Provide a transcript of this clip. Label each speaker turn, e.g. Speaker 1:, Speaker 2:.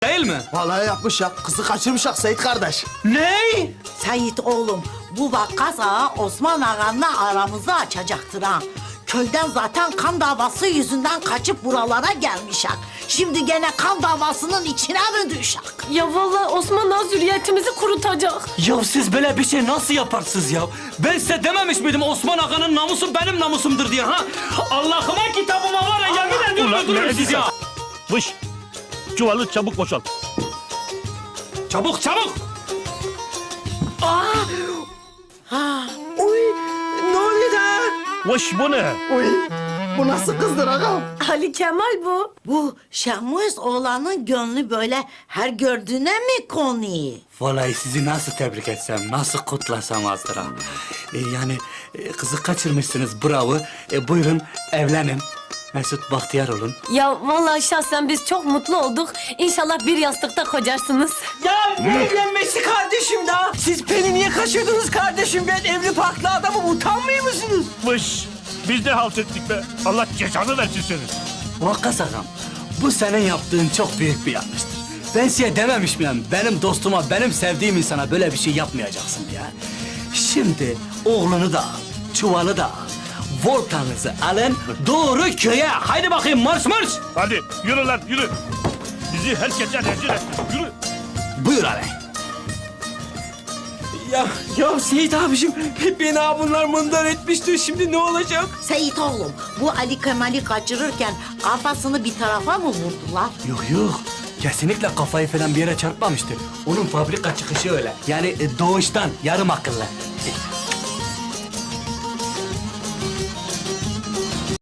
Speaker 1: Değil mi?
Speaker 2: Vallahi yapmış ya. Kızı kaçırmışak Seyit kardeş.
Speaker 1: Ne?
Speaker 3: Seyit oğlum, bu vakkas ağa Osman ağanla aramızı açacaktır ha. Köyden zaten kan davası yüzünden kaçıp buralara gelmişak. Şimdi gene kan davasının içine mi düşak?
Speaker 4: Ya vallahi Osman Ağa zürriyetimizi kurutacak.
Speaker 1: Ya siz böyle bir şey nasıl yaparsınız ya? Ben size dememiş miydim Osman Aga'nın namusu benim namusumdur diye ha? Allah'ıma kitabıma var ya yemin ediyorum öldürürüm sizi ya.
Speaker 5: Vış. Çuvalı çabuk boşalt.
Speaker 1: Çabuk çabuk.
Speaker 2: Ne oluyor da?
Speaker 5: Vış bu ne?
Speaker 2: Uy, bu nasıl kızdır ağam?
Speaker 4: Ali Kemal bu.
Speaker 3: Bu Şahmuz oğlanın gönlü böyle her gördüğüne mi konuyor?
Speaker 1: Vallahi sizi nasıl tebrik etsem, nasıl kutlasam azdır ha. Kızı kaçırmışsınız, bravo. Buyurun evlenin. Mesut Bahtiyar olun.
Speaker 4: Ya vallahi şahsen biz çok mutlu olduk. İnşallah bir yastıkta kocarsınız.
Speaker 6: Ya ne evlenmesi kardeşim daha? Siz beni niye kaçırdınız kardeşim? Ben evli barklı adamım, utanmıyor musunuz?
Speaker 5: Vış. Biz de halt ettik be. Allah cezanı versin senin.
Speaker 1: Vakkas ağam, bu senin yaptığın çok büyük bir yanlıştır. Ben size dememiş miyim? Benim dostuma, benim sevdiğim insana böyle bir şey yapmayacaksın diye. Şimdi oğlunu da al, çuvalı da al. Voltanızı alın, doğru köye. Haydi bakayım marş marş.
Speaker 5: Hadi yürü lan yürü. Bizi herkese rezil et. Yürü.
Speaker 1: Buyur ağabey.
Speaker 6: Ya Seyit abicim, beni ha bunlar mındar etmişti. Şimdi ne olacak?
Speaker 3: Seyit oğlum, bu Ali Kemal'i kaçırırken kafasını bir tarafa mı vurdular?
Speaker 1: Yok. Kesinlikle kafayı falan bir yere çarpmamıştır. Onun fabrika çıkışı öyle. Yani doğuştan yarım akıllı.